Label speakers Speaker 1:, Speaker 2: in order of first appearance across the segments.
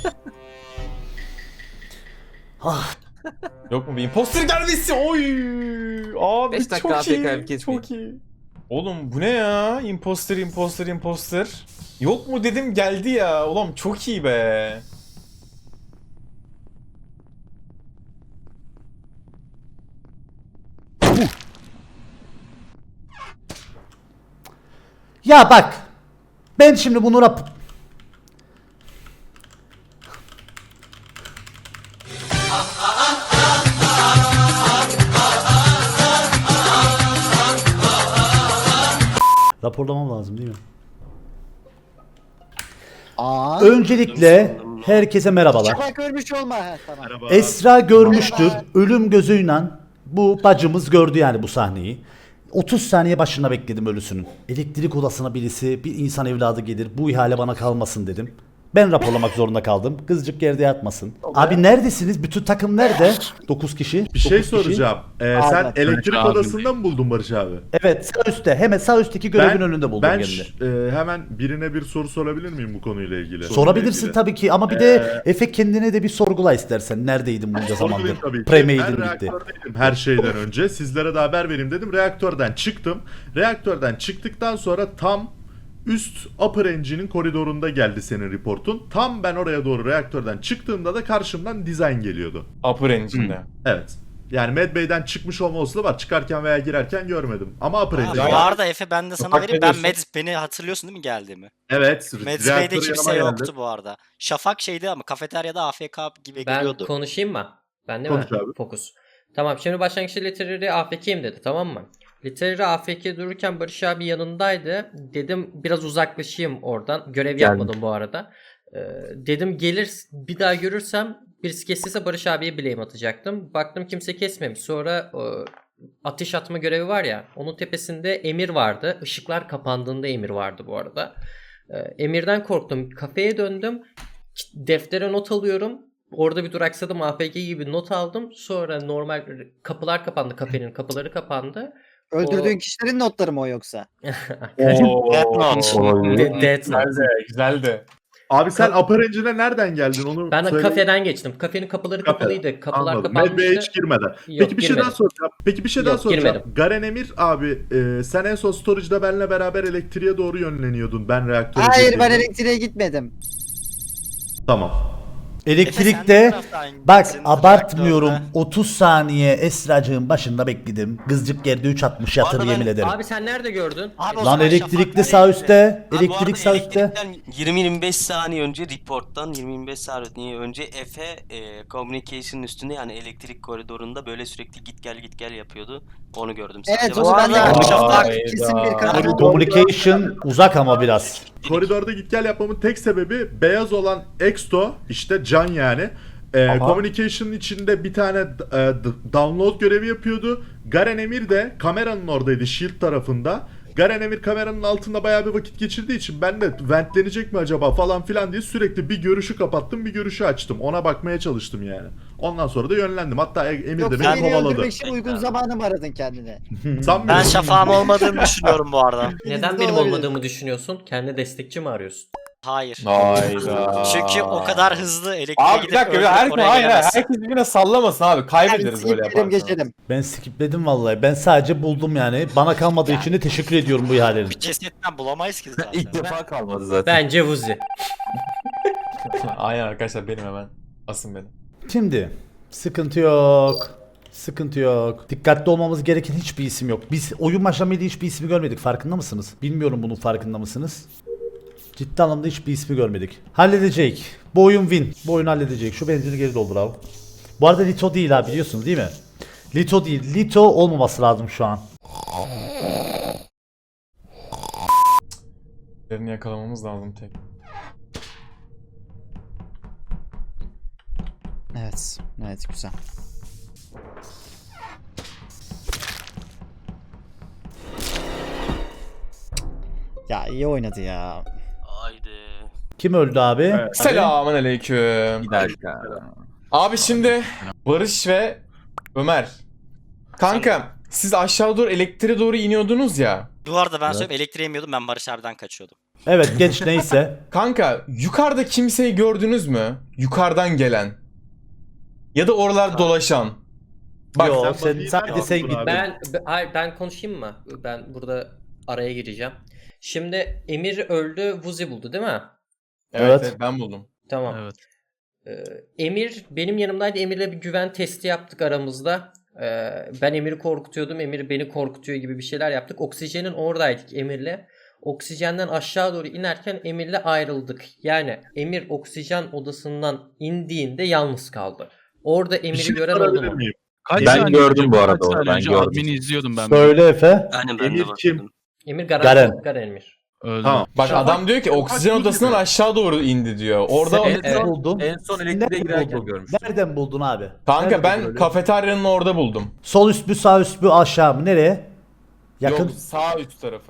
Speaker 1: Ah,
Speaker 2: Yok mu bir imposter gelmesi? Oy! Abi
Speaker 3: 5 dakika
Speaker 2: çok
Speaker 3: AFK
Speaker 2: iyi.
Speaker 3: kesmeyin.
Speaker 2: Çok iyi. Oğlum bu ne ya? Imposter, imposter, imposter. Yok mu dedim geldi ya. Oğlum çok iyi be.
Speaker 1: ya bak. Ben şimdi bunu raporlamam lazım değil mi? Öncelikle herkese merhabalar.
Speaker 4: Şafak ölmüş olma. Ha, tamam.
Speaker 1: Esra görmüştür. Ölüm gözüyle bu bacımız gördü yani bu sahneyi. 30 saniye başına bekledim ölüsünün. Elektrik odasına birisi, bir insan evladı gelir. Bu ihale bana kalmasın dedim. Ben raporlamak zorunda kaldım. Kızcık yerde yatmasın. Abi neredesiniz? Bütün takım nerede? 9 kişi.
Speaker 5: Bir şey
Speaker 1: 9 kişi.
Speaker 5: soracağım. Sen elektrik
Speaker 6: abi.
Speaker 5: odasında mı buldun Barış abi?
Speaker 1: Evet, sağ üstte. Hemen sağ üstteki görevin önünde buldum
Speaker 5: ben
Speaker 1: kendini.
Speaker 5: hemen birine bir soru sorabilir miyim bu konuyla ilgili?
Speaker 1: Sorabilirsin tabii ki ama bir de Efe kendine de bir sorgula istersen. Neredeydin bunca zamandır?
Speaker 5: Sorgulayayım tabii ki.
Speaker 1: Premade'in
Speaker 5: Ben
Speaker 1: birlikte.
Speaker 5: reaktördeydim her şeyden önce. Sizlere de haber vereyim dedim. Reaktörden çıktım. Reaktörden çıktıktan sonra tam üst upper engine'in koridorunda geldi senin reportun. Tam ben oraya doğru reaktörden çıktığımda da karşımdan design geliyordu.
Speaker 2: Upper Engine'de.
Speaker 5: Evet. Yani Medbay'den çıkmış olma olasılığı var. Çıkarken veya girerken görmedim. Ama upper
Speaker 7: Ha,
Speaker 5: engine'de.
Speaker 7: bu arada Efe ben de sana
Speaker 2: Bak
Speaker 7: vereyim.
Speaker 2: ne
Speaker 7: Ben
Speaker 2: diyorsun?
Speaker 7: beni hatırlıyorsun değil mi geldiğimi?
Speaker 5: Evet.
Speaker 7: Medbay'de
Speaker 5: reaktör
Speaker 7: kimse
Speaker 5: yanıma
Speaker 7: yoktu
Speaker 5: geldi.
Speaker 7: bu arada. Şafak şeydi ama kafeteryada AFK gibi
Speaker 3: Ben
Speaker 7: geliyordu.
Speaker 3: konuşayım mı? Ben de
Speaker 5: Konuş
Speaker 3: mi?
Speaker 5: abi.
Speaker 3: Fokus. Tamam, şimdi başlangıçta Literary AFK'yim dedi, tamam mı? Literary AFK dururken Barış abi yanındaydı. Dedim biraz uzaklaşayım oradan. Görev yapmadım bu arada. Dedim gelir bir daha görürsem birisi kestiyse Barış abiye blame atacaktım. Baktım kimse kesmemiş. Sonra ateş atma görevi var ya, onun tepesinde Emir vardı. Işıklar kapandığında Emir vardı bu arada. Emir'den korktum. Kafeye döndüm. Deftere not alıyorum. Orada bir duraksadım, AFK gibi not aldım. Sonra normal kapılar kapandı, kafenin kapıları kapandı.
Speaker 4: Öldürdüğün kişilerin notları mı o yoksa?
Speaker 7: Death Note.
Speaker 3: Death Note.
Speaker 2: Güzeldi, güzeldi.
Speaker 5: Abi sen upper engine'e nereden geldin onu
Speaker 3: Ben
Speaker 5: söyle.
Speaker 3: kafeden geçtim. Kafenin kapıları
Speaker 5: Kafe.
Speaker 3: kapalıydı. Kapılar
Speaker 5: Anladım. Medbay'e
Speaker 3: kapanmıştı.
Speaker 5: hiç girmeden.
Speaker 3: Yok,
Speaker 5: Peki bir şey daha
Speaker 3: girmedim.
Speaker 5: soracağım. Peki bir şey daha
Speaker 3: Yok,
Speaker 5: soracağım.
Speaker 3: girmedim.
Speaker 5: Garen Emir abi sen en son storage'da benle beraber elektriğe doğru yönleniyordun. Ben reaktöre
Speaker 4: Hayır ben
Speaker 5: girdiğimde.
Speaker 4: elektriğe gitmedim.
Speaker 5: Tamam.
Speaker 7: Efe, sen
Speaker 1: Elektrikte
Speaker 7: ne taraftaydın?
Speaker 1: bak
Speaker 7: Senin
Speaker 1: abartmıyorum
Speaker 7: reaktörde.
Speaker 1: 30 saniye Esracığın başında bekledim. Kızcık yerde 3.60 yatır
Speaker 7: Arada
Speaker 1: yemin
Speaker 7: ben-
Speaker 1: ederim.
Speaker 3: Abi sen nerede gördün?
Speaker 7: Abi o
Speaker 1: Lan
Speaker 7: zaman
Speaker 1: elektrikli
Speaker 7: Şafak
Speaker 1: sağ
Speaker 7: nereydi?
Speaker 1: üstte.
Speaker 8: Ha, bu arada
Speaker 1: Elektrik sağ üstte.
Speaker 8: elektrikten 20-25 saniye önce reporttan 20-25 saniye önce Efe communication üstünde yani elektrik koridorunda böyle sürekli git gel yapıyordu. Onu gördüm sadece.
Speaker 4: Evet
Speaker 8: Başka
Speaker 4: onu ben de
Speaker 7: arada-
Speaker 4: gördüm. Şafak
Speaker 2: Hayda.
Speaker 4: kesin bir karar.
Speaker 1: Communication uzak ama biraz.
Speaker 5: Koridorda git gel yapmamın tek sebebi beyaz olan Exto işte Can yani. Communication'ın içinde bir tane download görevi yapıyordu. Garen Emir de kameranın oradaydı Shield tarafında. Garen Emir kameranın altında bayağı bir vakit geçirdiği için ben de ventlenecek mi acaba falan filan diye sürekli bir görüşü kapattım bir görüşü açtım. Ona bakmaya çalıştım yani. Ondan sonra da yönlendim. Hatta Emir de
Speaker 4: Yoksa
Speaker 5: beni
Speaker 4: beni
Speaker 5: kovaladı.
Speaker 4: öldürmek için uygun zamanı mı aradın kendine?
Speaker 5: Sanmıyorum.
Speaker 7: Ben Şafak'ım olmadığını düşünüyorum bu arada.
Speaker 3: Neden
Speaker 4: de
Speaker 3: benim
Speaker 4: olabilir.
Speaker 3: olmadığımı düşünüyorsun? Kendi destekçi mi arıyorsun?
Speaker 7: Hayır.
Speaker 2: Hayda.
Speaker 7: Çünkü o kadar hızlı elektriğe
Speaker 2: Abi bir
Speaker 7: gidip
Speaker 2: dakika,
Speaker 7: öldürüp oraya
Speaker 2: hayır,
Speaker 7: gelemezsin.
Speaker 2: herkes birbirine sallamasın abi. Kaybederiz böyle
Speaker 4: Geçelim
Speaker 2: yaparsan.
Speaker 4: geçelim.
Speaker 1: Ben skipledim vallahi. Ben sadece buldum yani. Bana kalmadığı için de teşekkür ediyorum bu ihalelerin.
Speaker 7: Bir cesetten bulamayız ki zaten.
Speaker 6: İlk defa kalmadı zaten.
Speaker 3: Bence Vuzi.
Speaker 2: Aynen arkadaşlar benim hemen. Asın beni.
Speaker 1: Şimdi sıkıntı yok. Sıkıntı yok. Dikkatli olmamız gereken hiçbir isim yok. Biz oyun başlamayla hiçbir ismi görmedik. Farkında mısınız? Bilmiyorum bunun farkında mısınız? Ciddi anlamda hiçbir ismi görmedik. Halledecek. Bu oyun win. Bu oyunu halledecek. Şu benzini geri doldur abi. Bu arada Lito değil ha, biliyorsunuz değil mi? Lito değil. Lito olmaması lazım şu an.
Speaker 2: Birini yakalamamız lazım tek.
Speaker 4: Evet. Evet güzel. Ya iyi oynadı ya.
Speaker 8: Haydi.
Speaker 1: Kim öldü abi?
Speaker 2: Selamun aleyküm.
Speaker 6: Bir dakika.
Speaker 2: Abi şimdi Barış ve Ömer. Kanka siz aşağı doğru elektriğe doğru iniyordunuz ya.
Speaker 7: Bu arada ben söyleyeyim elektriğe inmiyordum ben Barış abiden kaçıyordum.
Speaker 1: Evet geç neyse.
Speaker 2: Kanka yukarıda kimseyi gördünüz mü? Yukarıdan gelen. Ya da oralar dolaşan. Bak
Speaker 1: Yo,
Speaker 5: sen
Speaker 1: sen
Speaker 5: Buddy'yi
Speaker 1: sadece
Speaker 5: nereden
Speaker 1: sen
Speaker 5: buldun
Speaker 1: git.
Speaker 5: abi?
Speaker 3: Hayır, ben konuşayım mı? Ben burada araya gireceğim. Şimdi Emir öldü, Vuzi buldu değil mi?
Speaker 2: evet,
Speaker 1: Evet.
Speaker 2: ben buldum.
Speaker 3: Tamam.
Speaker 6: Evet.
Speaker 3: Emir benim yanımdaydı. Emir'le bir güven testi yaptık aramızda. Ben Emir'i korkutuyordum. Emir beni korkutuyor gibi bir şeyler yaptık. Oksijenin oradaydık Emir'le. Oksijenden aşağı doğru inerken Emir'le ayrıldık. Yani Emir oksijen odasından indiğinde yalnız kaldı. Orada
Speaker 5: Bir
Speaker 3: Emir'i
Speaker 5: şey
Speaker 3: gören oldu
Speaker 5: sorabilir
Speaker 3: mu?
Speaker 5: miyim?
Speaker 6: Kaç
Speaker 9: Ben
Speaker 6: saniye
Speaker 9: gördüm
Speaker 6: önce,
Speaker 9: bu arada
Speaker 6: kaç
Speaker 9: onu,
Speaker 6: saniye
Speaker 9: ben
Speaker 6: önce
Speaker 9: gördüm.
Speaker 6: admini izliyordum ben.
Speaker 1: Söyle Efe.
Speaker 8: Aynen ben
Speaker 5: Emir
Speaker 8: de
Speaker 5: kim?
Speaker 8: bakıyordum.
Speaker 3: Emir
Speaker 1: Garen.
Speaker 3: Garen Emir.
Speaker 6: Öldü.
Speaker 5: Tamam.
Speaker 2: Bak
Speaker 3: Şu an-
Speaker 2: adam diyor ki oksijen odasından aşağı doğru indi diyor. Orada
Speaker 1: Sen
Speaker 3: Evet.
Speaker 1: buldun.
Speaker 9: En son
Speaker 1: Nereden
Speaker 9: elektriğe girerken
Speaker 1: buldun?
Speaker 9: görmüştüm.
Speaker 1: Nereden buldun abi?
Speaker 2: kanka
Speaker 1: Nerede
Speaker 2: ben
Speaker 1: buldun öyle?
Speaker 2: kafeteryanın orada buldum.
Speaker 1: Sol üst mü sağ üst mü aşağı mı nereye? Yakın.
Speaker 2: Yok sağ üst tarafı.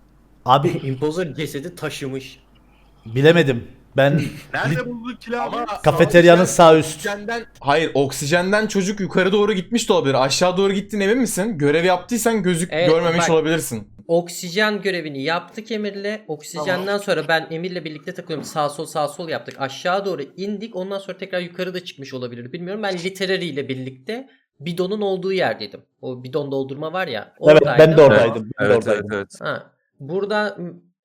Speaker 1: Abi
Speaker 3: Imposter cesedi taşımış.
Speaker 1: bilemedim. Ben
Speaker 5: Nerede buldun ki abi?
Speaker 1: kafeteryanın sağ üst.
Speaker 2: Hayır oksijenden çocuk yukarı doğru gitmiş de olabilir. Aşağı doğru gittin emin misin? Görev yaptıysan
Speaker 3: Evet,
Speaker 2: görmemiş
Speaker 3: bak.
Speaker 2: olabilirsin.
Speaker 3: Oksijen görevini yaptık Emir'le. Oksijenden sonra ben Emir'le birlikte takılıyorum. Sağ sol yaptık. Aşağı doğru indik. Ondan sonra tekrar yukarı da çıkmış olabilir. Bilmiyorum. Ben Literary ile birlikte bidonun olduğu yerdeydim. O bidon doldurma var ya.
Speaker 1: Evet
Speaker 3: Oradaydım.
Speaker 1: ben de oradaydım. Ben de
Speaker 9: Evet,
Speaker 1: oradaydım.
Speaker 9: evet.
Speaker 3: Ha, burada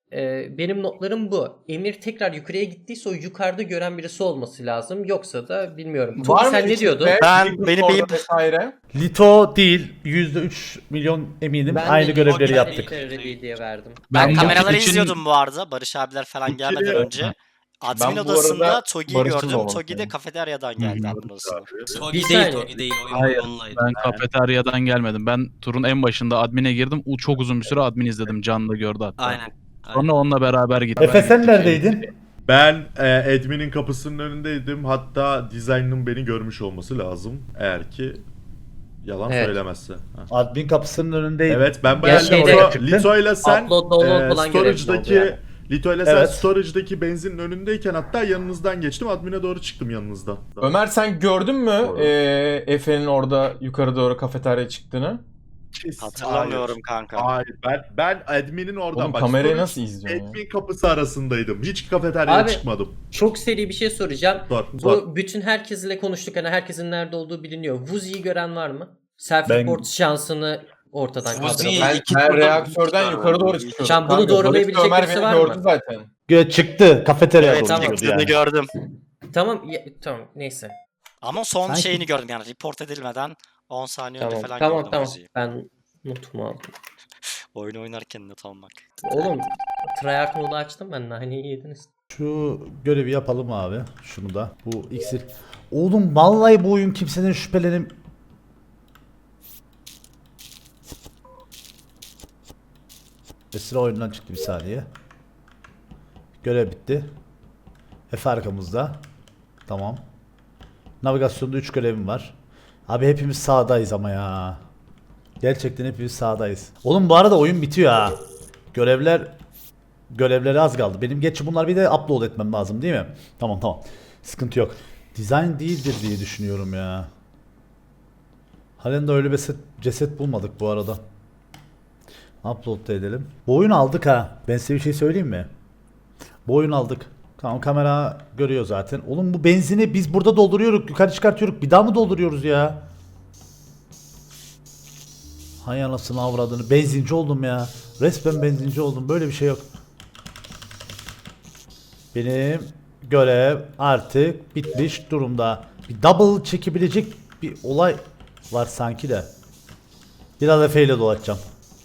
Speaker 3: benim notlarım bu. Emir tekrar yukarıya gittiyse o yukarıda gören birisi olması lazım. Yoksa da bilmiyorum. Tobi sen ne diyordun?
Speaker 7: Benim
Speaker 2: vesaire.
Speaker 1: Lito değil. %3 milyon eminim.
Speaker 3: Ben
Speaker 1: Aynı
Speaker 3: de
Speaker 1: görevleri
Speaker 3: ben
Speaker 1: yaptık.
Speaker 3: Literary diye verdim.
Speaker 7: Ben
Speaker 6: bu
Speaker 7: kameraları
Speaker 6: için-
Speaker 7: izliyordum bu arada. Barış abiler falan gelmeden önce. Admin
Speaker 2: bu
Speaker 7: odasında
Speaker 2: arada
Speaker 7: Togi'yi
Speaker 2: Barış'ın
Speaker 7: gördüm.
Speaker 2: olması
Speaker 7: Togi de
Speaker 2: lazım.
Speaker 7: kafeteryadan geldi admin odasına.
Speaker 8: Togi
Speaker 3: Bir
Speaker 8: değil,
Speaker 3: saniye.
Speaker 8: Togi değil.
Speaker 6: Hayır,
Speaker 8: Onunlaydı.
Speaker 6: Ben kafeteryadan gelmedim. Ben turun en başında admine girdim. Çok uzun bir süre admin izledim. Can da gördü hatta.
Speaker 8: Aynen.
Speaker 6: Sonra onunla beraber gittim.
Speaker 1: Efe sen neredeydin?
Speaker 5: Ben admin'in kapısının önündeydim. Hatta design'ın beni görmüş olması lazım. Eğer ki yalan
Speaker 3: Evet.
Speaker 5: söylemezse. Ha.
Speaker 1: Admin kapısının önündeydim.
Speaker 5: Evet ben
Speaker 3: Ya
Speaker 5: bayağı
Speaker 3: şeyde-
Speaker 5: Lito ile sen
Speaker 3: Upload, download falan görevli oldu
Speaker 5: storage'daki
Speaker 3: yani.
Speaker 5: Lito ile sen
Speaker 1: Evet.
Speaker 5: storage'daki benzinin önündeyken hatta yanınızdan geçtim. Admin'e doğru çıktım yanınızdan.
Speaker 2: Ömer sen gördün mü
Speaker 5: Doğru.
Speaker 2: Efe'nin orada yukarı doğru kafeteryaya çıktığını?
Speaker 7: Hatırlamıyorum kanka.
Speaker 5: Hayır ben admin'in oradan
Speaker 2: Oğlum
Speaker 5: bak.
Speaker 2: kamerayı
Speaker 5: storage,
Speaker 2: nasıl izliyorsun ya?
Speaker 5: admin kapısı arasındaydım. Hiç kafeteryaya
Speaker 3: Abi,
Speaker 5: çıkmadım.
Speaker 3: Çok seri bir şey soracağım.
Speaker 5: Sor,
Speaker 3: Bu
Speaker 5: sor.
Speaker 3: bütün herkesle konuştuk. Hani herkesin nerede olduğu biliniyor. Vuzi'yi gören var mı?
Speaker 1: Ben-
Speaker 3: Self-report şansını ortadan
Speaker 8: Vuzi'yi-
Speaker 3: kaldıralım.
Speaker 2: Ben her reaktörden yukarı doğru çıkıyorum.
Speaker 3: Şu an bunu
Speaker 2: Kanka,
Speaker 3: doğrulayabilecek
Speaker 2: Barış ve Ömer
Speaker 3: birisi
Speaker 2: beni
Speaker 3: var mı?
Speaker 2: gördü zaten.
Speaker 1: Çıktı. Kafeteryaya
Speaker 3: Evet,
Speaker 1: doğru
Speaker 3: tamam.
Speaker 1: gidiyordu
Speaker 7: Çıktığını
Speaker 1: yani.
Speaker 7: gördüm.
Speaker 3: Tamam tamam neyse.
Speaker 7: Ama son
Speaker 1: Sanki-
Speaker 7: şeyini gördüm yani report edilmeden 10 saniye önce
Speaker 3: Tamam
Speaker 7: falan
Speaker 3: tamam
Speaker 7: gördüm
Speaker 3: tamam.
Speaker 7: Vuzi'yi.
Speaker 3: Ben notumu aldım.
Speaker 7: Oyun oynarken not almak.
Speaker 3: Oğlum tryhard modu açtım ben naneyi yediniz.
Speaker 1: Şu görevi yapalım abi. Şunu da. Bu iksir. Oğlum vallahi bu oyun kimsenin şüphelenim. Esra oyundan çıktı bir saniye. Görev bitti. Efe arkamızda. Tamam. Navigasyonda 3 görevim var. Abi hepimiz sağdayız ama ya. Gerçekten hepimiz sağdayız. Oğlum bu arada oyun bitiyor ha. Görevleri az kaldı. Benim geçi bunlar bir de upload etmem lazım değil mi? Tamam tamam. Sıkıntı yok. Design değildir diye düşünüyorum ya. Halen de öyle bir ceset bulmadık bu arada. Upload da edelim. Bu oyunu aldık ha. Ben size bir şey söyleyeyim mi? Bu oyunu aldık. Tamam kamera görüyor zaten. Oğlum bu benzini biz burada dolduruyoruz. Yukarı çıkartıyoruz. Bir daha mı dolduruyoruz ya? Hay anasını avradını. Benzinci oldum ya. Resmen benzinci oldum. Böyle bir şey yok. Benim görev artık bitmiş durumda. Bir double çekebilecek bir olay var sanki de. Biraz Efe ile dolaşacağım.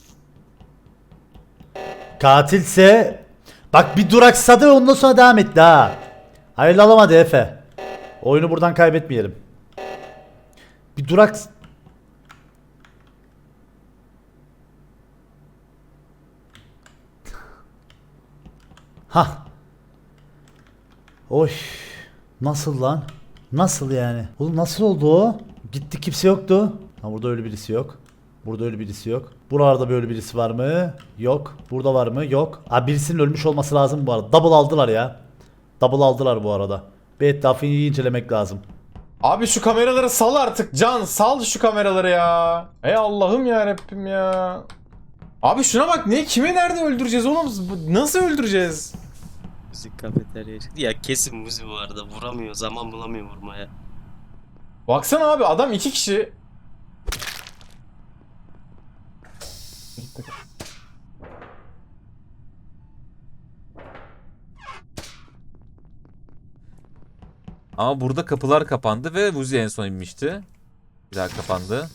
Speaker 1: Katilse bak bir duraksadı ve ondan sonra devam etti ha. Hayırlı alamadı Efe. Oyunu buradan kaybetmeyelim. Bir durak... Ha. Oy. Nasıl lan? Nasıl yani? Oğlum nasıl oldu o? Gitti kimse yoktu. Ha burada öyle birisi yok. Burada öyle birisi yok. Buralarda böyle birisi var mı? Yok. Burada var mı? Yok. Abi birisinin ölmüş olması lazım bu arada. Double aldılar ya. Double aldılar bu arada. Bir etrafını iyi incelemek lazım.
Speaker 2: Abi şu kameraları sal artık Can. Sal şu kameraları ya. Ey Allah'ım ya Rabbim ya. Abi şuna bak, ne kimi nerede öldüreceğiz oğlum? Nasıl öldüreceğiz?
Speaker 8: Müzik kafeterya çıktı. Ya kesin Muzi bu arada vuramıyor. Zaman bulamıyor vurmaya.
Speaker 2: Baksana abi, adam 2 kişi.
Speaker 9: Ama burada kapılar kapandı ve Vuzi en son inmişti. Bir daha kapandı.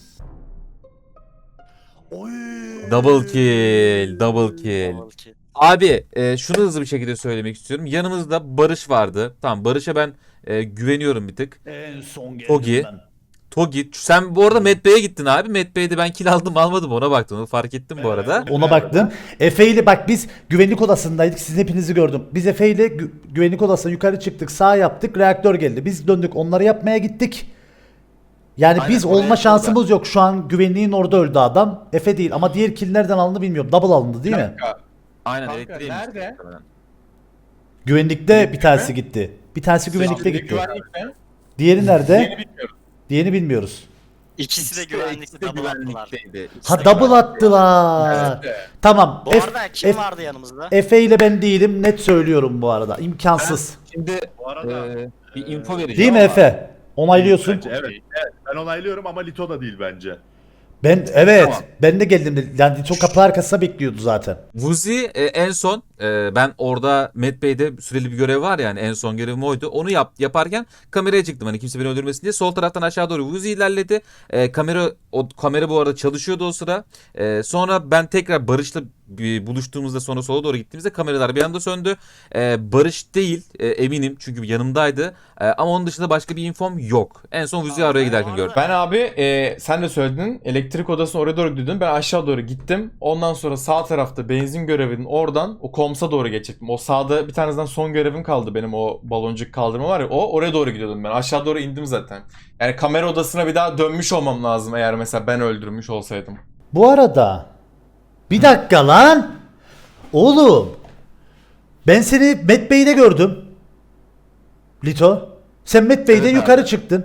Speaker 9: Double kill, double kill. Abi şunu hızlı bir şekilde söylemek istiyorum. Yanımızda Barış vardı. Tamam, Barış'a ben güveniyorum bir tık.
Speaker 1: En son geldim
Speaker 9: Togi.
Speaker 1: ben.
Speaker 9: Togi. Sen bu arada Met Bey'e gittin abi. Met Bey'de ben kill aldım almadım ona baktım. Onu fark ettim bu arada.
Speaker 1: Ona baktım. Efe ile bak biz güvenlik odasındaydık. Sizin hepinizi gördüm. Biz Efe ile güvenlik odasına yukarı çıktık. Sağ yaptık. Reaktör geldi. Biz döndük. Onları yapmaya gittik. Yani
Speaker 9: Aynen,
Speaker 1: biz
Speaker 9: oraya
Speaker 1: olma şansımız
Speaker 9: yapıldı.
Speaker 1: yok. Şu an güvenliğin orada öldü adam. Efe değil ama diğer kill nereden alındı bilmiyorum. Double alındı değil mi?
Speaker 9: Aynen,
Speaker 2: Kanka,
Speaker 9: elektriğe
Speaker 2: nerede?
Speaker 9: inmişti muhtemelen.
Speaker 1: Güvenlikte bir tanesi gitti. Bir tanesi güvenlikte gitti.
Speaker 2: Güvenlik mi?
Speaker 1: Diğeri nerede?
Speaker 2: Yeni bilmiyorum.
Speaker 1: Diğerini bilmiyoruz.
Speaker 7: İkisi de güvenlikte double attılar.
Speaker 1: Ha double attılar. Tamam.
Speaker 7: Bu arada kim vardı yanımızda?
Speaker 1: Efe ile ben değilim. Net söylüyorum bu arada. İmkansız.
Speaker 9: Şimdi
Speaker 5: Bu arada
Speaker 9: bir info vereceğim.
Speaker 1: Değil mi Efe? Onaylıyorsun.
Speaker 5: bence, evet, ben onaylıyorum ama Lito da değil bence.
Speaker 1: Evet.
Speaker 9: Tamam.
Speaker 1: Ben de geldim. Yani çok kapı arkasında bekliyordu zaten.
Speaker 9: Vuzi en son ben orada Met Bey'de süreli bir görev var yani, en son görevim oydu. Onu yaparken kameraya çıktım hani kimse beni öldürmesin diye. Sol taraftan aşağı doğru Vuzi ilerledi. Kamera bu arada çalışıyordu o sıra. Sonra ben tekrar Barış'la buluştuğumuzda, sonra sola doğru gittiğimizde kameralar bir anda söndü. Barış değil eminim çünkü yanımdaydı. Ama onun dışında başka bir infom yok. En son Vuzi'yi araya giderken gördüm.
Speaker 2: Ben abi sen de söyledin, elektrik odasına oraya doğru gidiyordun. Ben aşağı doğru gittim. Ondan sonra sağ tarafta benzin görevinin oradan o komsa doğru geçecektim. O sağda bir tanesinden son görevim kaldı benim, o baloncuk kaldırma var ya, oraya doğru gidiyordum ben. Aşağı doğru indim zaten. Yani kamera odasına bir daha dönmüş olmam lazım eğer mesela ben öldürmüş olsaydım.
Speaker 1: Bu arada bir dakika lan. Oğlum. Ben seni Met Bey'de gördüm. Lito. Sen Met Bey'de
Speaker 2: Evet
Speaker 1: yukarı çıktın.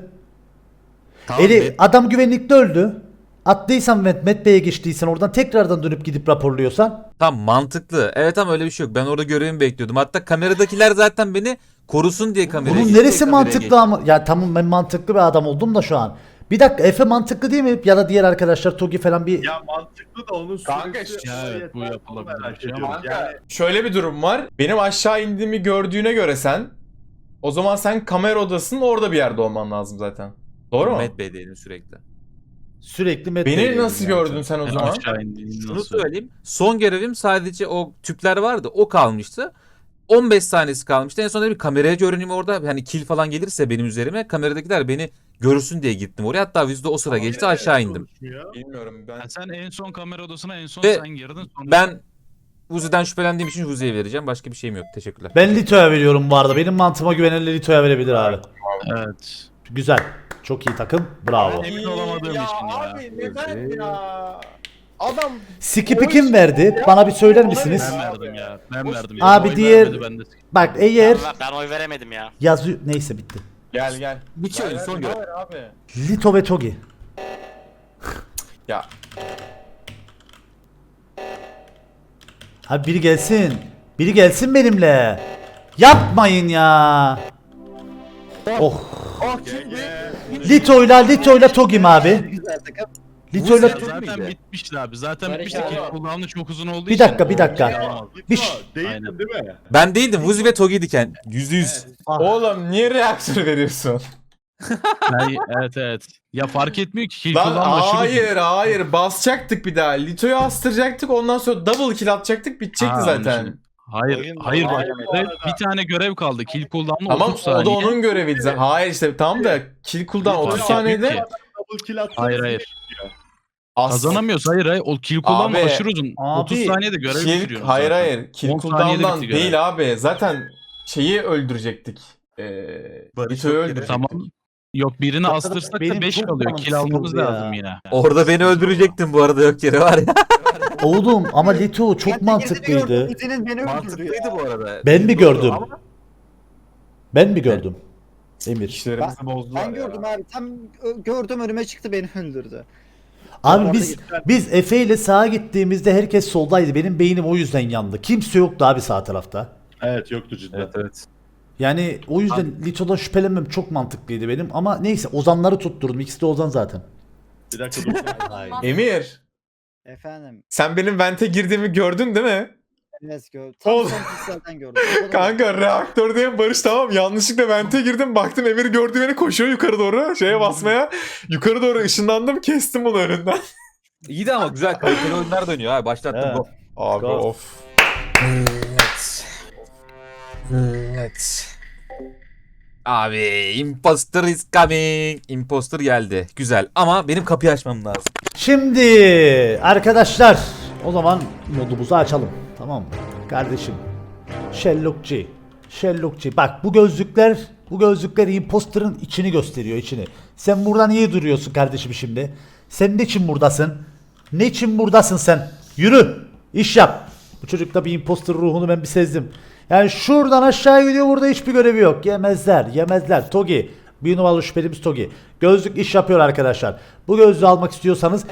Speaker 1: Adam güvenlikte öldü. Attıysan Met Bey'e geçtiysen oradan tekrardan dönüp gidip raporluyorsan.
Speaker 9: Tam mantıklı. Evet ama öyle bir şey yok. Ben orada görevimi bekliyordum. Hatta kameradakiler zaten beni korusun diye kameraya
Speaker 1: Bunun
Speaker 9: geçti,
Speaker 1: neresi
Speaker 9: kameraya
Speaker 1: mantıklı
Speaker 9: geçti.
Speaker 1: ama ya tamam ben mantıklı bir adam oldum da şu an. Bir dakika Efe mantıklı değil mi? Ya da diğer arkadaşlar Togi falan bir
Speaker 5: Ya mantıklı da onun
Speaker 2: Kanka,
Speaker 5: süresi
Speaker 6: ya evet, bu
Speaker 5: yeter,
Speaker 6: yapılabilir
Speaker 5: onu merak
Speaker 6: bir şey
Speaker 5: ediyorum.
Speaker 6: ama-
Speaker 5: Yani
Speaker 2: Şöyle bir durum var. Benim aşağı indiğimi gördüğüne göre sen, o zaman sen kamera odasının orada bir yerde olman lazım zaten. Doğru mu?
Speaker 9: Met Bey'deydim sürekli.
Speaker 1: sürekli Met
Speaker 2: Beni
Speaker 1: Bey'deydim
Speaker 2: nasıl
Speaker 1: yani.
Speaker 2: gördün sen o zaman?
Speaker 6: Aşağı indiğini
Speaker 9: Şunu
Speaker 6: nasıl?
Speaker 9: söyleyeyim. Son görevim sadece o tüpler vardı. O kalmıştı. 15 saniyesi kalmıştı. En son dedim kameraya görüneyim orada. Hani kill falan gelirse benim üzerime kameradakiler beni görsün diye gittim oraya. Hatta yüzde o sıra geçti, aşağı indim.
Speaker 2: Bilmiyorum ben.
Speaker 6: Yani sen en son kamera odasına en son
Speaker 9: Ve
Speaker 6: sen girdin. Sonra
Speaker 9: Ben Vuzi'den şüphelendiğim için Vuzi'ye vereceğim. Başka bir şeyim yok. Teşekkürler.
Speaker 1: Ben Lito'ya veriyorum bu arada. Benim mantığıma güvenenler Lito'ya verebilir abi.
Speaker 6: evet.
Speaker 1: Güzel. Çok iyi takım. Bravo.
Speaker 6: Emin olamadığım için ya.
Speaker 2: Abi neden ya? Adam
Speaker 1: Skip'i kim verdi? Bana bir söyler misiniz?
Speaker 6: Ben verdim ya. Ben verdim.
Speaker 1: Abi
Speaker 6: Oy
Speaker 1: diğer-
Speaker 6: vermedi, ben de
Speaker 1: Bak eğer
Speaker 7: Ben oy veremedim ya.
Speaker 1: yazıyor... Neyse bitti.
Speaker 2: gel gel.
Speaker 9: Bitiyor
Speaker 2: Ver,
Speaker 9: son
Speaker 2: ver,
Speaker 9: görev.
Speaker 2: ver abi.
Speaker 1: Lito ve Togi.
Speaker 2: Ya
Speaker 1: Abi biri gelsin. Biri gelsin benimle. Yapmayın ya. Oh. Lito'yla Togi'm abi.
Speaker 4: Güzel takım.
Speaker 1: Lito'yla
Speaker 9: Vuzi-
Speaker 6: Zaten bitmişti abi. Zaten
Speaker 3: Barış
Speaker 6: bitmişti ki
Speaker 3: abi.
Speaker 6: cooldown'u çok uzun olduğu
Speaker 1: Bir
Speaker 6: için.
Speaker 1: dakika, bir dakika.
Speaker 6: Yaramaz.
Speaker 1: Bir
Speaker 5: Lito
Speaker 1: ş-
Speaker 5: değildin
Speaker 6: Aynen.
Speaker 5: değil mi?
Speaker 9: Ben değildim. Vuzi ve Togi'ydiken. %100.
Speaker 1: Ah.
Speaker 2: oğlum niye reaktör veriyorsun?
Speaker 6: Evet. Ya fark etmiyor ki kill
Speaker 2: Lan
Speaker 6: cooldown aşırı uzun.
Speaker 2: hayır basacaktık bir daha. Lito'yu astıracaktık, ondan sonra double kill atacaktık, bitecekti
Speaker 6: Ha,
Speaker 2: zaten.
Speaker 6: anlaşıldı. Hayır bak. Bir tane görev kaldı. Kill cooldown'u
Speaker 2: Tamam
Speaker 6: 30
Speaker 2: o da
Speaker 6: saniye.
Speaker 2: onun göreviydi zaten. Hayır işte tamam da kill cooldown
Speaker 6: Fark
Speaker 2: 30
Speaker 6: etmiyor
Speaker 2: saniyede
Speaker 6: ki.
Speaker 5: Double kill atsanız
Speaker 6: Hayır.
Speaker 2: as-
Speaker 6: Kazanamıyoruz. Hayır. O kill cooldown'u
Speaker 2: Abi,
Speaker 6: aşırı uzun. 30 saniyede görev
Speaker 2: kill,
Speaker 6: bitiriyoruz
Speaker 2: hayır
Speaker 6: zaten.
Speaker 2: hayır kill
Speaker 6: 10 saniyede
Speaker 2: cooldown'dan
Speaker 6: bitti görev.
Speaker 2: değil abi. Zaten şeyi öldürecektik. Lito'yu öldürecektik.
Speaker 6: Tamam. Yok birini astırsak
Speaker 1: benim
Speaker 6: da 5
Speaker 1: çok
Speaker 6: kalıyor.
Speaker 1: canım
Speaker 6: Kill almamız
Speaker 1: sıkıldı ya.
Speaker 6: lazım yine.
Speaker 9: Orada beni öldürecektin bu arada, yok yere var ya.
Speaker 1: Oğlum ama Lito çok mantıklıydı.
Speaker 4: Uzi'nin beni öldürdü ya.
Speaker 9: bu arada.
Speaker 1: Ben mi gördüm? Ben mi gördüm? Emir.
Speaker 2: İşlerimizi bozdular
Speaker 4: Ben
Speaker 2: ya.
Speaker 4: gördüm abi. Tam gördüm önüme çıktı beni öldürdü.
Speaker 1: Abi biz Efe ile sağa gittiğimizde herkes soldaydı. Benim beynim o yüzden yandı. Kimse yoktu abi sağ tarafta.
Speaker 5: Evet yoktu cidden.
Speaker 9: Evet.
Speaker 1: Yani o yüzden Lito'dan şüphelenmem çok mantıklıydı benim. Ama neyse Ozanları tutturdum. İkisi de Ozan zaten.
Speaker 5: Bir dakika dur.
Speaker 2: Emir,
Speaker 4: Efendim.
Speaker 2: sen benim vente girdiğimi gördün değil mi?
Speaker 4: Evet gördüm. Tam
Speaker 2: Oğlum.
Speaker 4: son pikselden gördüm. O da-
Speaker 2: Kanka reaktördeyim Barış, tamam. Yanlışlıkla vente girdim. Baktım Emir gördü beni, koşuyor yukarı doğru. Şeye basmaya. Yukarı doğru ışınlandım. Kestim bunu önünden.
Speaker 9: İyi de ama güzel kaliteli oyunlar dönüyor ha. Başlattım
Speaker 1: Evet.
Speaker 9: bu.
Speaker 2: Abi
Speaker 1: Go.
Speaker 2: of.
Speaker 9: Evet. Abi imposter is coming. Imposter geldi. Güzel ama benim kapıyı açmam lazım.
Speaker 1: Şimdi arkadaşlar o zaman modumuzu açalım. Tamam mı? Kardeşim. Sherlockçı. Sherlockçı. Bak bu gözlükler imposter'ın içini gösteriyor, içini. Sen buradan iyi duruyorsun kardeşim şimdi. Sen ne için buradasın? Ne için buradasın sen? Yürü. İş yap. Bu çocukta bir imposter ruhunu ben bir sezdim. Yani şuradan aşağı gidiyor, burada hiçbir görevi yok. Yemezler. Togi. Bir numaralı şüphelimiz Togi. Gözlük iş yapıyor arkadaşlar. Bu gözlüğü almak istiyorsanız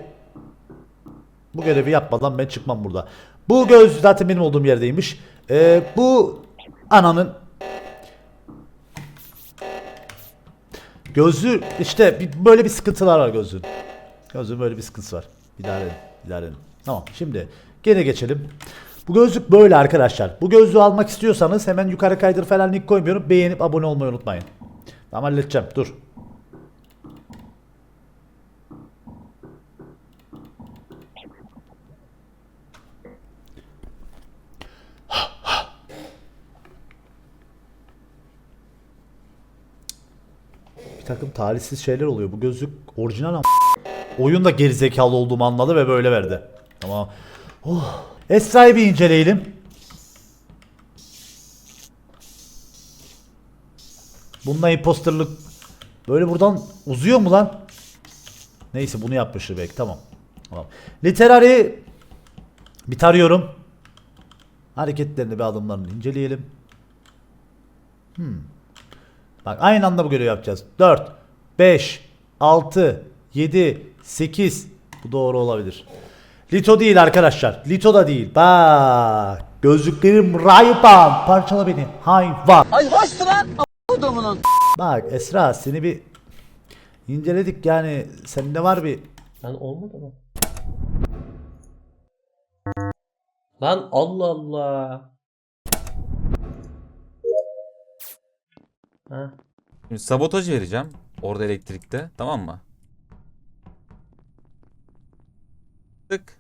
Speaker 1: bu görevi yapmadan ben çıkmam burada. Bu gözlük zaten benim olduğum yerdeymiş. Bu ananın gözlüğü işte böyle bir sıkıntılar var gözlüğün. Gözlüğün böyle bir sıkıntısı var. İdare edin. Tamam, şimdi gene geçelim. Bu gözlük böyle arkadaşlar. Bu gözlüğü almak istiyorsanız hemen yukarı kaydır falan link koymuyorum. Beğenip abone olmayı unutmayın. Tamam, halledeceğim. Dur. Bir takım talihsiz şeyler oluyor. Bu gözlük orijinal ama oyun da gerizekalı olduğumu anladı ve böyle verdi. Tamam. Oh. Esra'yı bir inceleyelim. Bununla imposterlık böyle buradan uzuyor mu lan? Neyse bunu yapmıştır belki. Tamam. Literary bir tarıyorum. Hareketlerini ve adımlarını inceleyelim. Bak aynı anda bu görevi yapacağız. 4, 5, 6, 7, 8. Bu doğru olabilir. Lito değil arkadaşlar. Lito da değil. Bak. Gözlüklerim rayban. Parçala beni. Hayvan. Ay hoş lan. Bak Esra seni bir inceledik yani. Sende var bir.
Speaker 3: Lan olmadı mı? Lan Allah Allah. Ha.
Speaker 9: Şimdi sabotaj vereceğim. Orada elektrikte. Tamam mı? Tık.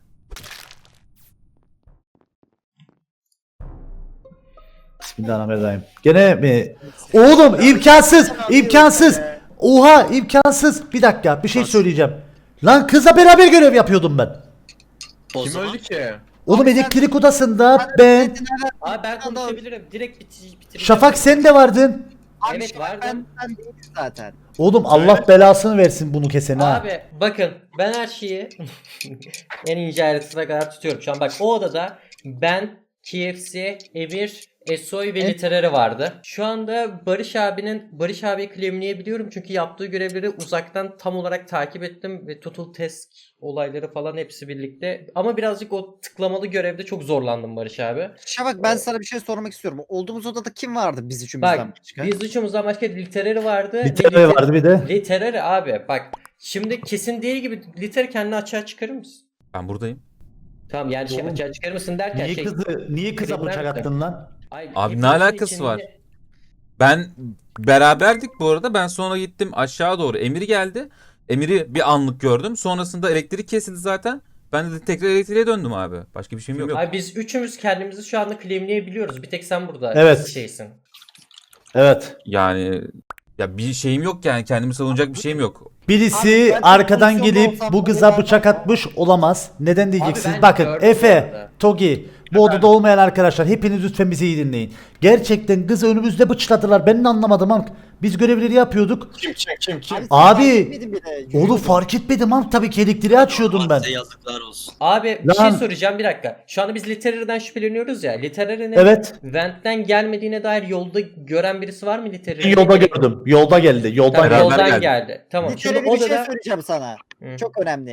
Speaker 1: Bismillahirrahmanirrahim. Gene mi? Oğlum imkansız. Oha imkansız. Bir dakika bir şey söyleyeceğim. Lan kızla beraber görev yapıyordum ben.
Speaker 2: Kim öldü ki?
Speaker 1: Oğlum elektrik odasında ben.
Speaker 3: Abi ben konuşabilirim. Direkt bitireceğim.
Speaker 1: Şafak sen de vardın.
Speaker 3: Evet vardım.
Speaker 4: Ben değilim zaten.
Speaker 1: Oğlum Allah belasını versin bunu kesene ha.
Speaker 3: Abi bakın ben her şeyi en ince ayrıntısına kadar tutuyorum. Şu an bak o odada ben, KFC, Emir, Esoy ve Literary vardı. Şu anda Barış abiyi claimleyebiliyorum çünkü yaptığı görevleri uzaktan tam olarak takip ettim ve total task olayları falan hepsi birlikte. Ama birazcık o tıklamalı görevde çok zorlandım Barış abi.
Speaker 4: Şafak ben sana bir şey sormak istiyorum. Olduğumuz odada kim vardı biz
Speaker 3: Bak
Speaker 4: üçümüzden başka?
Speaker 3: biz üçümüzden başka Literary vardı.
Speaker 1: Literary vardı bir de.
Speaker 3: Literary abi bak şimdi kesin değil gibi Literary kendini açığa çıkarır mısın?
Speaker 9: Ben buradayım.
Speaker 3: Tamam yani şey
Speaker 1: Oğlum,
Speaker 3: açığa çıkarır mısın derken
Speaker 1: Niye kıza
Speaker 3: Krimler
Speaker 1: bıçak
Speaker 3: de.
Speaker 1: attın lan?
Speaker 3: Ay,
Speaker 9: Abi ne
Speaker 3: hepimizin
Speaker 9: alakası var? Ben beraberdik bu arada. Ben sonra gittim aşağı doğru. Emir geldi. Emir'i bir anlık gördüm. Sonrasında elektrik kesildi zaten. Ben de tekrar elektriğe döndüm abi. Başka bir şeyim yok.
Speaker 3: Ay biz üçümüz kendimizi şu anda claimleyebiliyoruz. Bir tek sen burada
Speaker 1: Evet.
Speaker 3: şeysin.
Speaker 1: Evet.
Speaker 9: Yani ya bir şeyim yok yani. Kendimi savunacak bir şeyim yok.
Speaker 1: Birisi
Speaker 4: Abi ben
Speaker 1: arkadan
Speaker 4: pozisyonda
Speaker 1: gelip
Speaker 4: olsam
Speaker 1: bu
Speaker 4: bunu
Speaker 1: kıza
Speaker 4: ben
Speaker 1: bıçak
Speaker 4: yapmam.
Speaker 1: atmış olamaz. Neden diyeceksiniz?
Speaker 3: ben
Speaker 1: Bakın
Speaker 3: gördüm bu
Speaker 1: Efe,
Speaker 3: arada.
Speaker 1: Togi, bu odada olmayan arkadaşlar hepiniz lütfen bizi iyi dinleyin. Gerçekten kızı önümüzde bıçladılar. Ben de anlamadım ama biz görevleri yapıyorduk.
Speaker 2: Kim?
Speaker 4: Abi, sen
Speaker 1: Abi,
Speaker 4: fark etmedin bile.
Speaker 1: Onu fark etmedim ama tabii ki elektriği açıyordum ben.
Speaker 8: Size yazıklar olsun.
Speaker 3: Abi bir
Speaker 1: Lan.
Speaker 3: şey soracağım bir dakika. Şu anda biz Literary'den şüpheleniyoruz ya. Literary'nin
Speaker 1: Evet.
Speaker 3: Vent'ten gelmediğine dair yolda gören birisi var mı Literary'nin?
Speaker 1: Yolda gördüm. Yolda geldi. Yoldan
Speaker 3: Tamam,
Speaker 1: geldi.
Speaker 9: Beraber
Speaker 3: yoldan
Speaker 9: geldi.
Speaker 3: geldi. Tamam.
Speaker 4: Şöyle
Speaker 3: Şimdi
Speaker 4: bir şey
Speaker 3: odada
Speaker 4: söyleyeceğim sana.
Speaker 3: Hı.
Speaker 4: Çok önemli.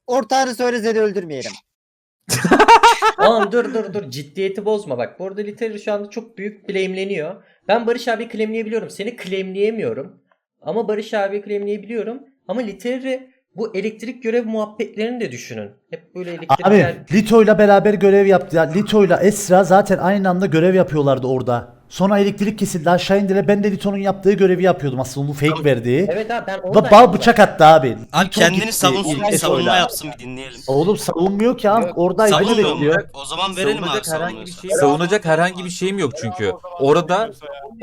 Speaker 4: Ortağını söyle seni öldürmeyelim.
Speaker 3: Oğlum dur ciddiyeti bozma bak. Bu arada Literary şu anda çok büyük claimleniyor. Ben Barış abi claimleyebiliyorum. Seni claimleyemiyorum. Ama Barış abi claimleyebiliyorum. Ama Literary bu elektrik görev muhabbetlerini de düşünün. Hep böyle elektrikler...
Speaker 1: Abi Lito'yla beraber görev yaptı. Ya, Lito'yla Esra zaten aynı anda görev yapıyorlardı orada. Sonra elektrik kesildi, aşağı indiler. Ben de Lito'nun yaptığı görevi yapıyordum aslında, onu fake verdiği.
Speaker 3: Evet abi ben
Speaker 1: Ve
Speaker 3: oradaydım.
Speaker 1: bal bıçak attı abi.
Speaker 8: Abi
Speaker 1: Lito
Speaker 8: kendini
Speaker 1: gitti,
Speaker 8: savunsun, bir
Speaker 1: Lito'yla.
Speaker 8: savunma yapsın, bir dinleyelim.
Speaker 1: Oğlum savunmuyor ki abi.
Speaker 3: Yok,
Speaker 1: Oradaydı, beni
Speaker 8: Savunmuyor mu?
Speaker 1: bekliyor.
Speaker 8: O zaman verelim abi savunuyorsa.
Speaker 9: Savunacak herhangi bir şeyim yok çünkü. Orada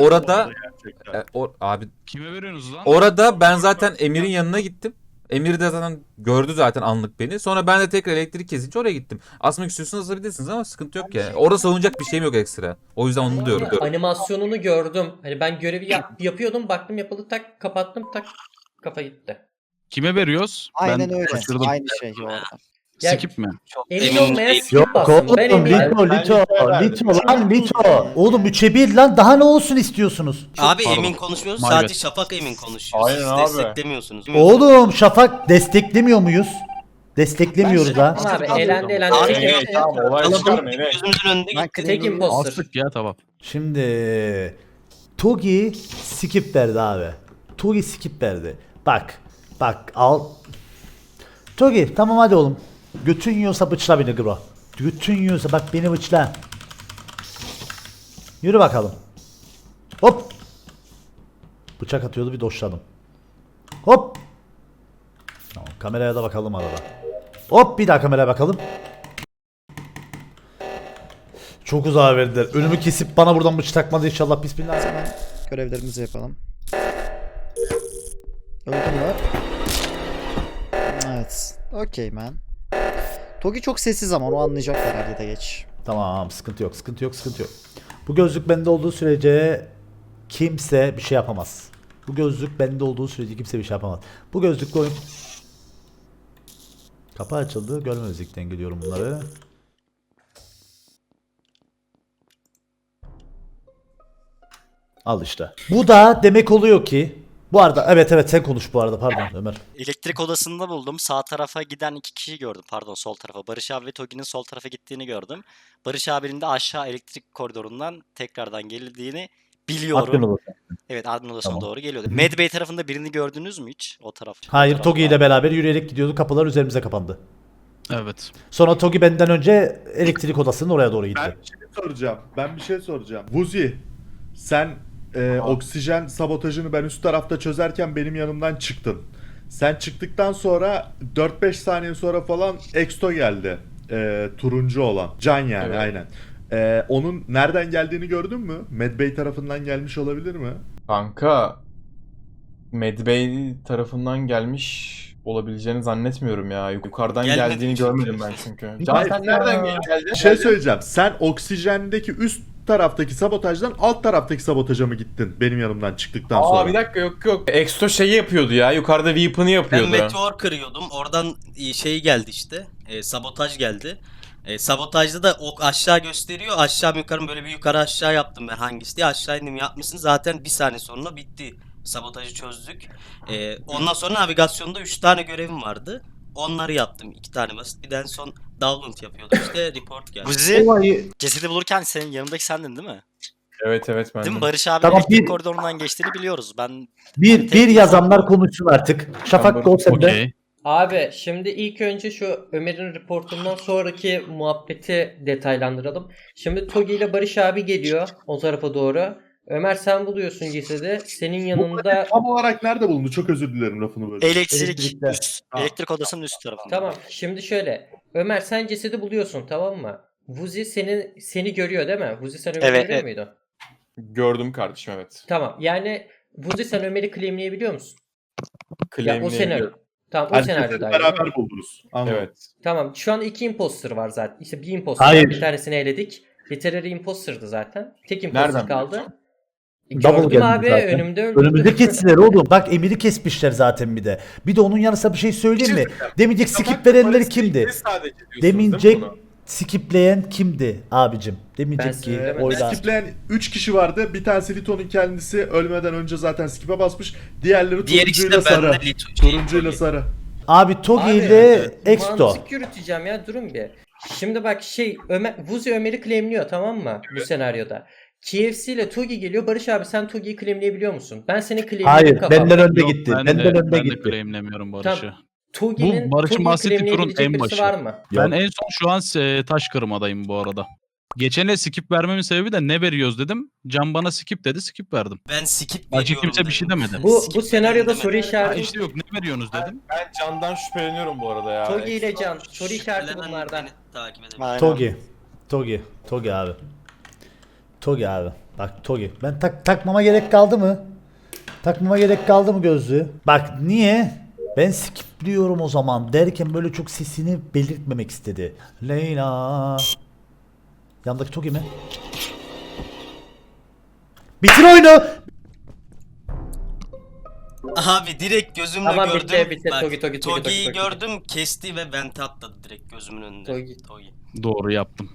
Speaker 9: abi
Speaker 6: Kime veriyorsunuz lan?
Speaker 9: orada ben zaten Emir'in yanına gittim. Emir de zaten gördü zaten anlık beni. Sonra ben de tekrar elektrik kesince oraya gittim. Asmak istiyorsanız asabilirsiniz ama sıkıntı yok yani. Orada savunacak bir şeyim yok ekstra. O yüzden onu diyorum.
Speaker 3: Animasyonunu gördüm. Hani ben görevi yapıyordum, baktım yapıldı, tak kapattım, tak kafa gitti.
Speaker 6: Kime veriyoruz?
Speaker 4: Aynen
Speaker 6: Ben
Speaker 4: öyle.
Speaker 6: şaşırdım.
Speaker 4: Aynı şey orada.
Speaker 3: Ya-
Speaker 6: Skip mi?
Speaker 3: Emin
Speaker 8: Emin
Speaker 3: olmayan
Speaker 8: değil.
Speaker 3: skip
Speaker 1: Yok
Speaker 3: bastım. Ben
Speaker 1: oğlum,
Speaker 3: eminim.
Speaker 1: Lito lan. Oğlum 3'e 1 lan, daha ne olsun istiyorsunuz?
Speaker 8: Abi
Speaker 6: pardon.
Speaker 8: Emin konuşmuyoruz,
Speaker 6: My
Speaker 8: sadece
Speaker 6: bad.
Speaker 8: Şafak Emin konuşuyor.
Speaker 2: Aynen
Speaker 8: Siz
Speaker 2: abi.
Speaker 8: desteklemiyorsunuz.
Speaker 1: Oğlum Şafak desteklemiyor muyuz? Desteklemiyoruz ha.
Speaker 3: Tamam abi elendi.
Speaker 8: Abi,
Speaker 3: Tek,
Speaker 2: Evet, tamam, olay çıkarma,
Speaker 8: Kalabalık
Speaker 2: evet.
Speaker 8: gözümüzün önünde
Speaker 4: Ben
Speaker 8: gitti.
Speaker 3: tek imposter.
Speaker 6: Astık ya tamam.
Speaker 1: Şimdi Togi skip verdi abi. Togi skip verdi. Bak al. Togi tamam hadi oğlum. Götün yiyorsa bıçla beni bro. Götün yiyorsa bak beni bıçla. Yürü bakalım. Hop. Bıçak atıyordu, bir doşladım. Hop. Tamam, kameraya da bakalım arada. Hop, bir daha kameraya bakalım. Çok uzağa verdiler. Önümü kesip bana buradan bıçak takmadı inşallah, bismillah.
Speaker 4: Görevlerimizi yapalım. Öldü mü? Evet. Okey man. Togi çok sessiz ama onu anlayacaklar herhalde de geç.
Speaker 1: Tamam, sıkıntı yok. Bu gözlük bende olduğu sürece kimse bir şey yapamaz. Bu gözlük bende olduğu sürece kimse bir şey yapamaz. Bu gözlükle oyun... Kapı açıldı. Görmezlikten geliyorum bunları. Al işte. Bu da demek oluyor ki... Bu arada evet sen konuş bu arada, pardon Ömer.
Speaker 7: Elektrik odasında buldum. Sağ tarafa giden 2 kişiyi gördüm. Pardon, sol tarafa. Barış abi ve Togi'nin sol tarafa gittiğini gördüm. Barış abinin de aşağı elektrik koridorundan tekrardan geldiğini biliyorum. Evet, admin odasına
Speaker 1: Tamam.
Speaker 7: doğru geliyordu. Medbay tarafında birini gördünüz mü hiç? O taraf.
Speaker 1: Hayır,
Speaker 7: o taraf
Speaker 1: Togi ile
Speaker 7: var.
Speaker 1: beraber yürüyerek gidiyordu. Kapılar üzerimize kapandı.
Speaker 6: Evet.
Speaker 1: Sonra Togi benden önce elektrik odasının oraya doğru gitti.
Speaker 5: Ben bir şey soracağım. Vuzi, sen oksijen sabotajını ben üst tarafta çözerken benim yanımdan çıktın. Sen çıktıktan sonra 4-5 saniye sonra falan Exto geldi. Turuncu olan. Can yani,
Speaker 2: Evet.
Speaker 5: aynen. Onun nereden geldiğini gördün mü? Medbay tarafından gelmiş olabilir mi?
Speaker 2: Kanka Medbay tarafından gelmiş olabileceğini zannetmiyorum ya. Yukarıdan
Speaker 8: Gelmedi.
Speaker 2: geldiğini görmedim ben çünkü. Can
Speaker 5: Hayır,
Speaker 2: sen nereden geldin?
Speaker 5: Bir şey söyleyeceğim. Sen oksijendeki üst taraftaki sabotajdan alt taraftaki sabotaja mı gittin benim yanımdan çıktıktan sonra?
Speaker 2: Aa bir dakika, yok. Exto şeyi yapıyordu ya. Yukarıda weapon'ı
Speaker 8: Ben
Speaker 2: yapıyordu.
Speaker 8: meteor kırıyordum. Oradan şey geldi işte. Sabotaj geldi. Sabotajda da ok aşağı gösteriyor. Aşağı yukarı böyle bir yukarı aşağı yaptım ben, hangisi diye. Aşağı indim, yapmışsın. Zaten bir saniye sonra bitti. Sabotajı çözdük. Ondan sonra navigasyonda 3 tane görevim vardı. Onları yaptım. 2 tane basit. Bir de en son download yapıyordum. İşte report geldi.
Speaker 7: Buzi, cesedi bulurken senin yanındaki sendin değil mi?
Speaker 2: Evet ben.
Speaker 7: Değil mi? Barış abi
Speaker 1: Tamam,
Speaker 7: elektrik
Speaker 1: bir-
Speaker 7: koridorundan geçtiğini biliyoruz. Ben
Speaker 1: Bir yazanlar konuşsun artık. Şafak gol sende.
Speaker 6: Okey.
Speaker 3: Abi şimdi ilk önce şu Ömer'in reportundan sonraki muhabbeti detaylandıralım. Şimdi Togi ile Barış abi geliyor o tarafa doğru. Ömer sen buluyorsun cesedi. Senin yanında...
Speaker 5: Tam olarak nerede bulundu? Çok özür dilerim lafını böyle.
Speaker 1: Elektrikte.
Speaker 7: elektrik odasının üst tarafında.
Speaker 3: Tamam şimdi şöyle. Ömer sen cesedi buluyorsun, tamam mı? Vuzi seni görüyor değil mi? Vuzi sen Ömer'i
Speaker 7: Evet,
Speaker 3: görüyor
Speaker 7: evet.
Speaker 3: muydun?
Speaker 2: Gördüm kardeşim, evet.
Speaker 3: Tamam yani Vuzi sen Ömer'i claimleyebiliyor musun? Ya o
Speaker 2: Claimleyebiliyorum.
Speaker 3: senaryo. Tamam o
Speaker 5: Yani
Speaker 3: senaryoda.
Speaker 5: beraber buldunuz. Anladım.
Speaker 2: Evet.
Speaker 3: Tamam şu an 2 imposter var zaten. İşte bir imposter
Speaker 1: Hayır.
Speaker 3: var. Bir tanesini eledik. Literary imposter'dı zaten. Tek imposter
Speaker 2: Nereden
Speaker 3: kaldı.
Speaker 2: biliyorsun?
Speaker 1: Double
Speaker 3: Gördüm
Speaker 1: geldi
Speaker 3: abi
Speaker 1: zaten.
Speaker 3: önümde öldürdü.
Speaker 1: Önümüzde kestiler oğlum. Bak Emir'i kesmişler zaten bir de. Bir de onun yanısına bir şey söyleyeyim mi? Demeyecek skip verenler kimdi? Demeyecek skipleyen kimdi abicim? Demeyecek
Speaker 3: Ben
Speaker 1: ki
Speaker 3: söylemedim.
Speaker 1: oylar.
Speaker 5: Skipleyen 3 kişi vardı. Bir tanesi Lito'nun kendisi ölmeden önce zaten skip'e basmış. Diğerleri
Speaker 8: Diğer ikisi
Speaker 5: turuncuyla
Speaker 8: de bende
Speaker 5: sarı.
Speaker 8: Lito.
Speaker 5: Turuncuyla sarı.
Speaker 1: Abi Togi
Speaker 3: Abi,
Speaker 1: ile Exto.
Speaker 3: Mantık yürüteceğim ya, durun bir. Şimdi bak Vuzi Ömer'i claimliyor, tamam mı bu senaryoda? KFC ile Togi geliyor. Barış abi sen Togi'yi claimleyebiliyor musun? Ben seni claimledim
Speaker 1: Hayır,
Speaker 3: kafamda.
Speaker 1: benden önde
Speaker 6: Yok,
Speaker 1: gitti.
Speaker 6: ben
Speaker 1: Benden
Speaker 6: de,
Speaker 1: önde
Speaker 6: ben de
Speaker 1: gitti.
Speaker 6: claimlemiyorum Barış'ı.
Speaker 3: Tamam. Togi'nin
Speaker 6: Bu Barış'ın bahsettiği turun
Speaker 3: claimleyebilecek
Speaker 6: en
Speaker 3: birisi
Speaker 6: başı.
Speaker 3: var mı?
Speaker 6: Ben en son şu an taş kırmadayım bu arada. Geçene skip vermemin sebebi de ne veriyoruz dedim. Can bana skip dedi, skip verdim.
Speaker 8: Ben skip
Speaker 6: Başka
Speaker 8: veriyorum
Speaker 6: kimse bir şey
Speaker 8: dedim.
Speaker 6: demedi.
Speaker 3: Bu
Speaker 8: Skip
Speaker 3: senaryoda
Speaker 8: veriyorum
Speaker 3: soru
Speaker 8: demedim.
Speaker 6: Ha
Speaker 3: işareti.
Speaker 6: işte yok, ne veriyorsunuz dedim.
Speaker 2: Ben Can'dan şüpheleniyorum bu arada ya.
Speaker 3: Togi ile Can. Soru işareti
Speaker 8: Şüphelenen
Speaker 3: bunlardan.
Speaker 8: beni takip edebilir.
Speaker 4: Aynen.
Speaker 1: Togi abi. Togi abi. Bak Togi. Ben takmama gerek kaldı mı? Takmama gerek kaldı mı gözlüğü? Bak niye? Ben skipliyorum o zaman derken böyle çok sesini belirtmemek istedi. Leyla. Yandaki Togi mi? Bitir oyunu.
Speaker 8: Abi direkt gözümle
Speaker 3: Tamam,
Speaker 8: gördüm.
Speaker 3: bitti.
Speaker 8: Bak,
Speaker 3: Togi.
Speaker 8: Togi'yi gördüm, kesti ve vente atladı direkt gözümün önünde.
Speaker 3: Togi.
Speaker 6: Doğru yaptım.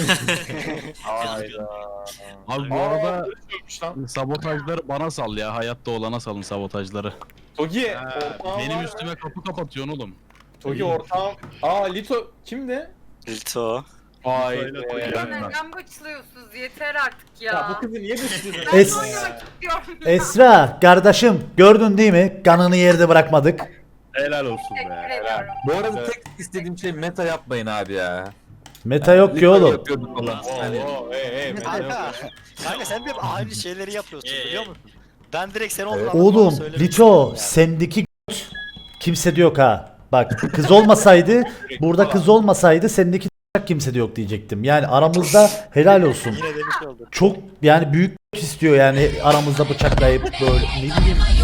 Speaker 6: Abi bu arada sabotajları bana sal ya. Hayatta olana salın sabotajları.
Speaker 2: Togi,
Speaker 6: Benim üstüme kapı kapatıyorsun oğlum.
Speaker 2: Togi ortağım. Aa Lito kimdi?
Speaker 7: Lito.
Speaker 2: Vay
Speaker 5: Söyle
Speaker 2: be.
Speaker 5: Togi.
Speaker 10: Neden başlıyorsunuz? Yeter artık ya.
Speaker 2: Ya bu kızı niye düşünüyorsun?
Speaker 10: Ben
Speaker 1: Es-
Speaker 10: oynamak istiyorum ya.
Speaker 1: Esra kardeşim gördün değil mi? Kanını yerde bırakmadık.
Speaker 5: Helal olsun
Speaker 10: Teşekkür
Speaker 5: be.
Speaker 10: ediyorum.
Speaker 9: Bu arada tek istediğim şey meta yapmayın abi ya.
Speaker 1: Meta yok ki
Speaker 9: Lütfen
Speaker 1: oğlum.
Speaker 9: yapıyorduk falan. Yani
Speaker 7: Kanka sen de aynı şeyleri yapıyorsun biliyor musun? Ben direkt seni
Speaker 9: Evet.
Speaker 1: Oğlum Lito sendeki kimse de yok ha. Bak kız olmasaydı burada kız olmasaydı sendeki kimse de yok diyecektim. Yani aramızda helal olsun.
Speaker 7: Yine demiş oldum.
Speaker 1: Çok yani büyük istiyor yani aramızda bıçaklayıp böyle ne bileyim